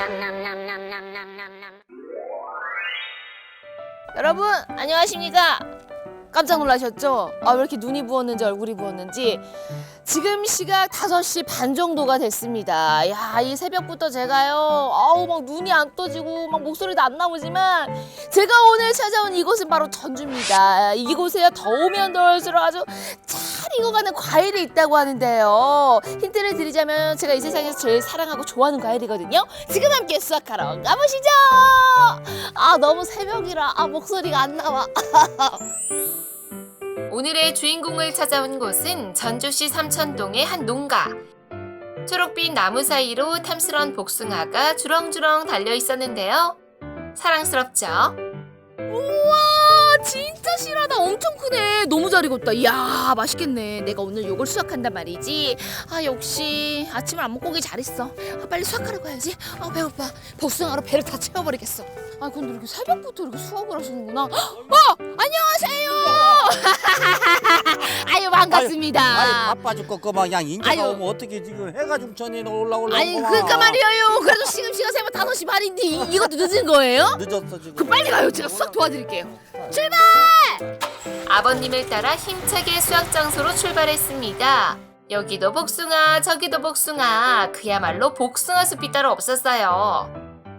여러분 안녕하십니까? 깜짝 놀라셨죠? 왜 이렇게 눈이 부었는지 얼굴이 부었는지. 지금 시각 5시 반 정도가 됐습니다. 야, 이 새벽부터 제가요, 막 눈이 안 떠지고 막 목소리도 안 나오지만 제가 오늘 찾아온 이곳은 바로 전주입니다. 이곳에요, 더우면 더울수록 아주 잘 익어가는 과일이 있다고 하는데요. 힌트를 드리자면 제가 이 세상에서 제일 사랑하고 좋아하는 과일이거든요. 지금 함께 수확하러 가보시죠. 너무 새벽이라 목소리가 안 나와. 오늘의 주인공을 찾아온 곳은 전주시 삼천동의 한 농가. 초록빛 나무 사이로 탐스런 복숭아가 주렁주렁 달려 있었는데요. 사랑스럽죠? 우와, 진짜 실하다. 엄청 크네. 너무 잘 익었다. 이야, 맛있겠네. 내가 오늘 요걸 수확한단 말이지. 역시 아침을 안 먹고 오길 잘했어. 빨리 수확하러 가야지. 배고파. 복숭아로 배를 다 채워버리겠어. 근데 이렇게 새벽부터 이렇게 수확을 하시는구나. 안녕하세요. 반갑습니다. 바빠 죽고 그만 그냥 인자가 오면 어떻게 지금 해가 중천에 올라오려고. 그러니까 말이에요. 그래도 지금 시간 새벽 5시 반인데 이것도 늦은 거예요? 늦었어 지금. 빨리 가요. 제가 수확 도와드릴게요. 출발! 아버님을 따라 힘차게 수확 장소로 출발했습니다. 여기도 복숭아, 저기도 복숭아. 그야말로 복숭아 숲이 따로 없었어요.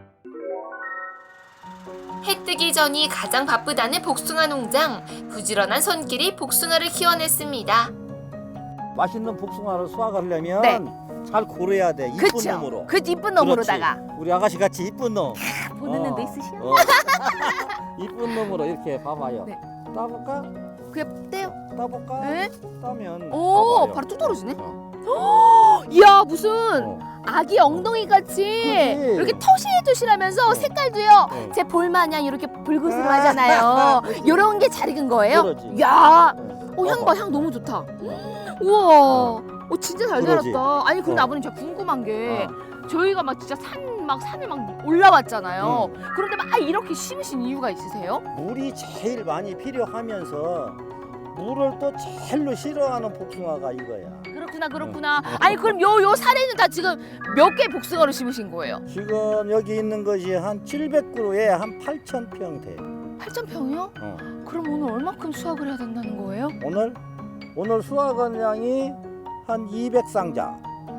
해 뜨기 전이 가장 바쁘다는 복숭아 농장. 부지런한 손길이 복숭아를 키워냈습니다. 맛있는 복숭아를 수확하려면 네. 잘 고려야 돼. 이쁜 놈으로. 이쁜 놈으로다가. 그렇지. 우리 아가씨 같이 이쁜 놈. 보는 눈도 있으시네. 이쁜 놈으로 이렇게 봐봐요. 네. 따볼까? 그냥 떼요. 따볼까? 네? 따면. 오, 봐봐요. 바로 뚝 떨어지네. 어. 이야, 무슨 어. 아기 엉덩이 같이 그치. 이렇게 토실토실하면서 색깔도요. 어. 제 볼마냥 이렇게 붉으스름하잖아요. 요런 게 잘 익은 거예요? 그러지. 야, 어. 향 봐, 향 너무 좋다. 우와, 진짜 잘 그러지. 자랐다. 아니 근데 어. 아버님 제가 궁금한 게 어. 저희가 막 진짜 산을 막 올라왔잖아요. 그런데 막 이렇게 심으신 이유가 있으세요? 물이 제일 많이 필요하면서 물을 또 제일로 싫어하는 복숭아가 이거야. 그렇구나. 아니 그럼 요 산에는 다 지금 몇 개 복숭아를 심으신 거예요? 지금 여기 있는 것이 한 700그루에 한 8,000평 돼. 8,000평이요? 어. 그럼 오늘 얼마큼 수확을 해야 된다는 거예요? 오늘 수확량이 한 200상자.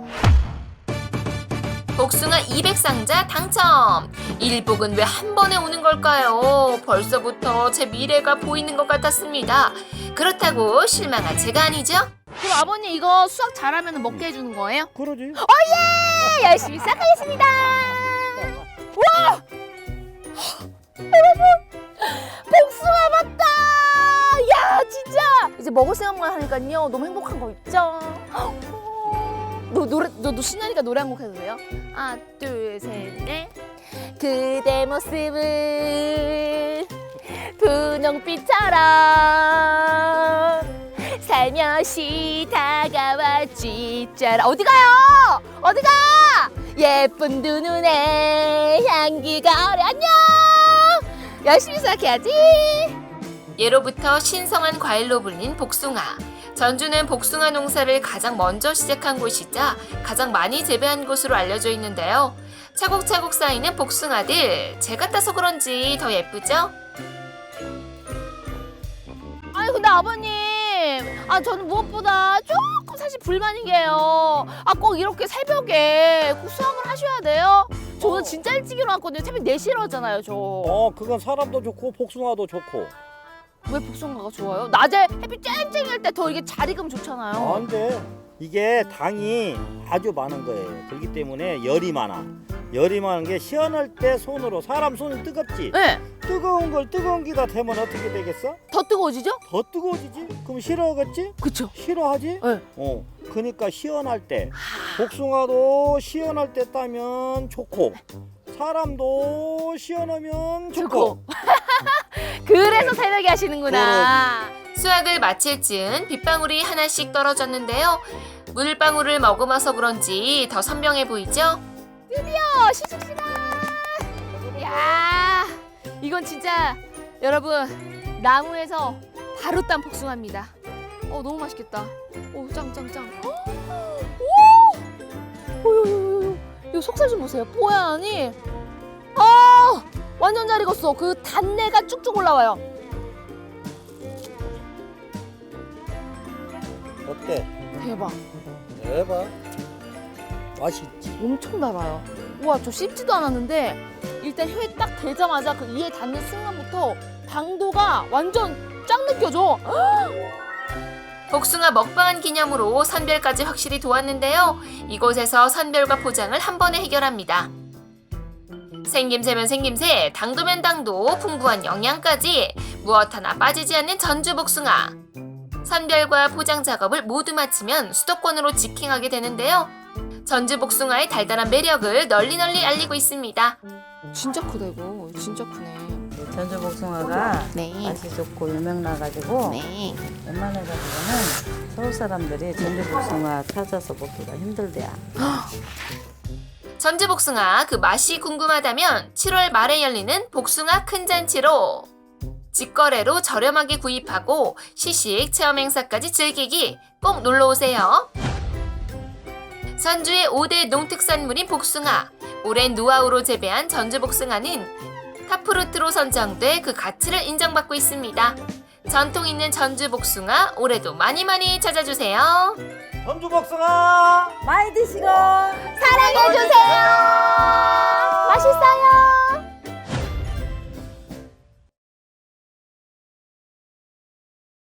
복숭아 200상자 당첨! 일복은 왜 한 번에 오는 걸까요? 벌써부터 제 미래가 보이는 것 같았습니다. 그렇다고 실망한 제가 아니죠? 그럼 아버님 이거 수확 잘하면 먹게 해주는 거예요? 그러지? 네, 열심히 수확하겠습니다. 와! 여러분, 복숭아 맞다! 야, 진짜! 이제 먹을 생각만 하니까요, 너무 행복한 거 있죠? 너 신나니까 노래 한 곡 해도 돼요? 하나, 둘, 셋, 넷. 그대 모습은 분홍빛처럼 살며시 다가왔지. 짜라. 어디 가요? 어디 가? 예쁜 두 눈에 향기가 어려. 안녕. 열심히 수확해야지. 예로부터 신성한 과일로 불린 복숭아. 전주는 복숭아 농사를 가장 먼저 시작한 곳이자 가장 많이 재배한 곳으로 알려져 있는데요. 차곡차곡 쌓이는 복숭아들, 제가 따서 그런지 더 예쁘죠? 아니 근데 아버님, 저는 무엇보다 조금 사실 불만인 게요. 꼭 이렇게 새벽에 꼭 수확을 하셔야 돼요? 저는 진짜 일찍 일어났거든요. 새벽 4시에 일어났잖아요, 저. 그건 사람도 좋고 복숭아도 좋고. 왜 복숭아가 좋아요? 낮에 햇빛 쨍쨍할 때 더 이게 잘 익으면 좋잖아요. 근데 이게 당이 아주 많은 거예요. 그렇기 때문에 열이 많아. 열이 많은 게 시원할 때 손으로, 사람 손이 뜨겁지? 네. 뜨거운 걸 뜨거운 기다 대면 어떻게 되겠어? 더 뜨거워지죠? 더 뜨거워지지? 그럼 싫어하겠지? 그쵸. 싫어하지? 네. 그러니까 시원할 때, 복숭아도 시원할 때 따면 좋고 사람도 시원하면 좋고. 그래서 새벽에 하시는구나. 수확을 마칠 즈음 빗방울이 하나씩 떨어졌는데요. 물방울을 머금어서 그런지 더 선명해 보이죠? 드디어 시식 시간. 야, 이건 진짜 여러분 나무에서 바로 딴 복숭아입니다. 너무 맛있겠다. 짱. 오, 이 속살 좀 보세요. 뽀얀이. 아, 완전 잘 익었어. 그 단내가 쭉쭉 올라와요. 어때? 대박. 대박. 맛있지. 엄청 달아요. 우와, 저 씹지도 않았는데 일단 혀에 딱 대자마자 그 이에 닿는 순간부터 당도가 완전 쫙 느껴져. 복숭아 먹방한 기념으로 선별까지 확실히 도왔는데요. 이곳에서 선별과 포장을 한 번에 해결합니다. 생김새면 생김새, 당도면 당도, 풍부한 영양까지 무엇 하나 빠지지 않는 전주 복숭아. 선별과 포장 작업을 모두 마치면 수도권으로 직행하게 되는데요. 전주 복숭아의 달달한 매력을 널리 알리고 있습니다. 진짜 크다 이거. 진짜 크네. 전주 복숭아가 네. 맛이 좋고 유명나가지고 네. 웬만해가지고는 서울 사람들이 전주 복숭아 찾아서 먹기가 힘들대요. 전주 복숭아 그 맛이 궁금하다면 7월 말에 열리는 복숭아 큰 잔치로 직거래로 저렴하게 구입하고 시식 체험 행사까지 즐기기 꼭 놀러 오세요. 전주의 5대 농특산물인 복숭아. 오랜 노하우로 재배한 전주 복숭아는 탑프루트로 선정돼 그 가치를 인정받고 있습니다. 전통 있는 전주 복숭아 올해도 많이 찾아주세요. 전주 복숭아 많이 드시고 사랑해주세요. 맛있어요.